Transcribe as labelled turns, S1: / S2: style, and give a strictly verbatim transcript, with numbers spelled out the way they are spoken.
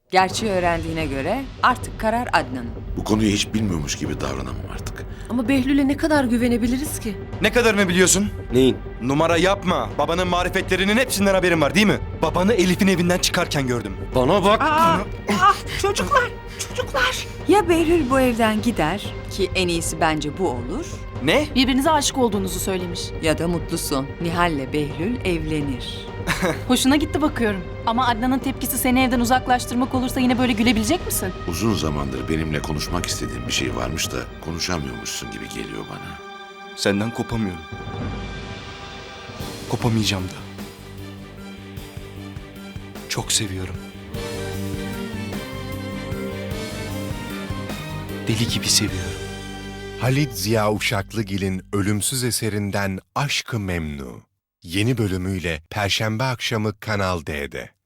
S1: Gerçeği öğrendiğine göre artık karar Adnan'ın.
S2: Bu konuyu hiç bilmiyormuş gibi davranamam artık.
S3: Ama Behlül'e ne kadar güvenebiliriz ki?
S4: Ne kadarını biliyorsun?
S5: Neyin?
S4: Numara yapma. Babanın marifetlerinin hepsinden haberin var değil mi? Babanı Elif'in evinden çıkarken gördüm.
S5: Bana bak.
S3: Aa, ah, çocuklar, çocuklar.
S1: Ya Behlül bu evden gider ki en iyisi bence bu olur
S4: Ne?
S6: Birbirinize aşık olduğunuzu söylemiş.
S1: ya da mutlusun. Nihal'le Behlül evlenir.
S6: Hoşuna gitti bakıyorum. Ama Adnan'ın tepkisi seni evden uzaklaştırmak olursa yine böyle gülebilecek misin?
S2: Uzun zamandır benimle konuşmak istediğin bir şey varmış da konuşamıyormuşsun gibi geliyor bana.
S4: Senden kopamıyorum. Kopamayacağım da. Çok seviyorum. Deli gibi seviyorum.
S7: Halit Ziya Uşaklıgil'in ölümsüz eserinden Aşk-ı Memnu. Yeni bölümüyle Perşembe akşamı Kanal D'de.